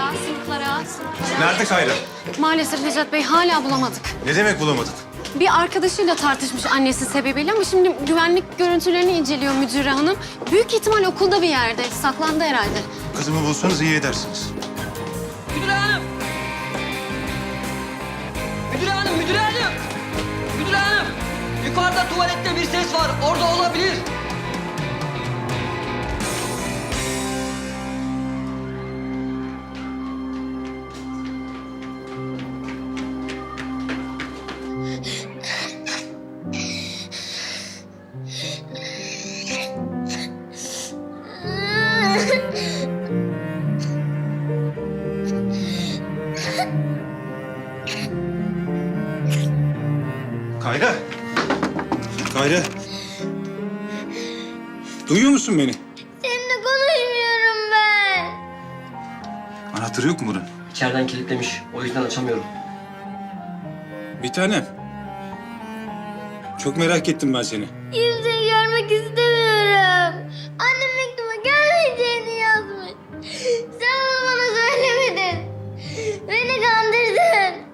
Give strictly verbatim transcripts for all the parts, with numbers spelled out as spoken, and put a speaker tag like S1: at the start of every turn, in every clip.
S1: sınıflara, sınıflara, sınıflara.
S2: Nerede Kayra?
S1: Maalesef Necat Bey hala bulamadık.
S2: Ne demek bulamadık?
S1: Bir arkadaşıyla tartışmış annesi sebebiyle ama şimdi güvenlik görüntülerini inceliyor müdüre hanım. Büyük ihtimal okulda bir yerde, saklandı herhalde.
S2: Kızımı bulsanız iyi edersiniz.
S3: Müdür hanım! Müdür hanım, müdür hanım! Müdür hanım! Yukarıda tuvalette bir ses var, orada olabilir.
S2: Kayra. Kayra. Duyuyor musun beni?
S4: Seninle konuşmuyorum ben.
S2: Anahtarı yok mu bunun?
S3: İçeriden kilitlemiş, o yüzden açamıyorum.
S2: Bir tanem. Çok merak ettim ben seni.
S4: Kimseyi görmek istemiyorum. Annem mektuma gelmeyeceğini yazmış. Sen bunu bana söylemedin. Beni kandırdın.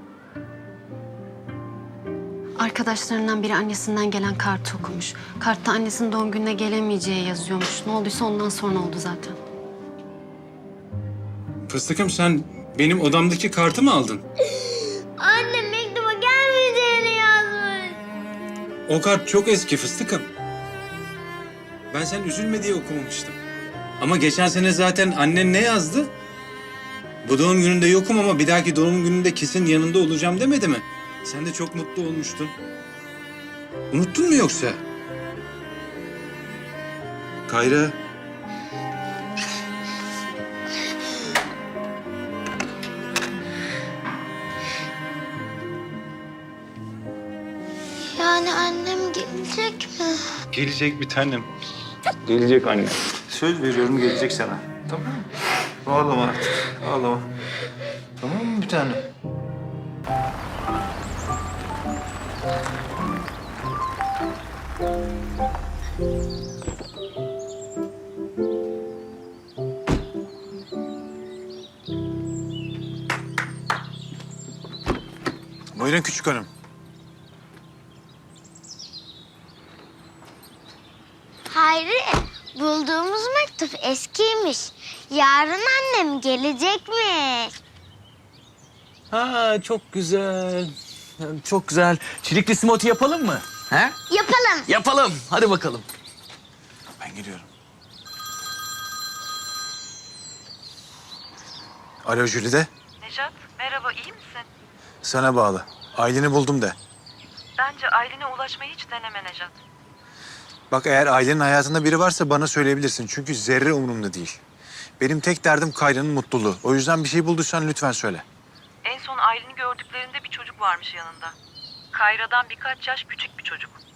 S1: Arkadaşlarından biri annesinden gelen kartı okumuş. Kartta annesinin doğum gününe gelemeyeceği yazıyormuş. Ne olduysa ondan sonra oldu zaten.
S2: Fıstıkım sen benim odamdaki kartı mı aldın?
S4: Annem mektuma gelmeyeceğini yazmış.
S2: O kart çok eski Fıstıkım. Ben sen üzülme diye okumamıştım. Ama geçen sene zaten annen ne yazdı? Bu doğum gününde yokum ama bir dahaki doğum gününde kesin yanında olacağım demedi mi? Sen de çok mutlu olmuştun. Unuttun mu yoksa? Kayra.
S4: Yani annem gelecek mi?
S2: Gelecek bir tanem. Gelecek anne. Söz veriyorum gelecek sana. Tamam mı? Ağlama artık. Ağlama. Tamam mı bir tanem? Buyurun küçük hanım.
S4: Hayri, bulduğumuz mektup eskiymiş. Yarın annem gelecekmiş.
S5: Ha çok güzel. Çok güzel. Çilekli smoothie yapalım mı? He?
S4: Yapalım.
S5: Yapalım. Hadi bakalım.
S2: Ben geliyorum. Alo Jülide.
S6: Necat, merhaba, iyi misin?
S2: Sana bağlı. Aileni buldum de.
S6: Bence Aylin'e ulaşmayı hiç deneme Necat.
S2: Bak eğer ailenin hayatında biri varsa bana söyleyebilirsin. Çünkü zerre umurumda değil. Benim tek derdim Kayra'nın mutluluğu. O yüzden bir şey bulduysan lütfen söyle.
S6: En son Aylin'i gördüklerinde bir çocuk varmış yanında. Kayra'dan birkaç yaş küçük bir çocuk.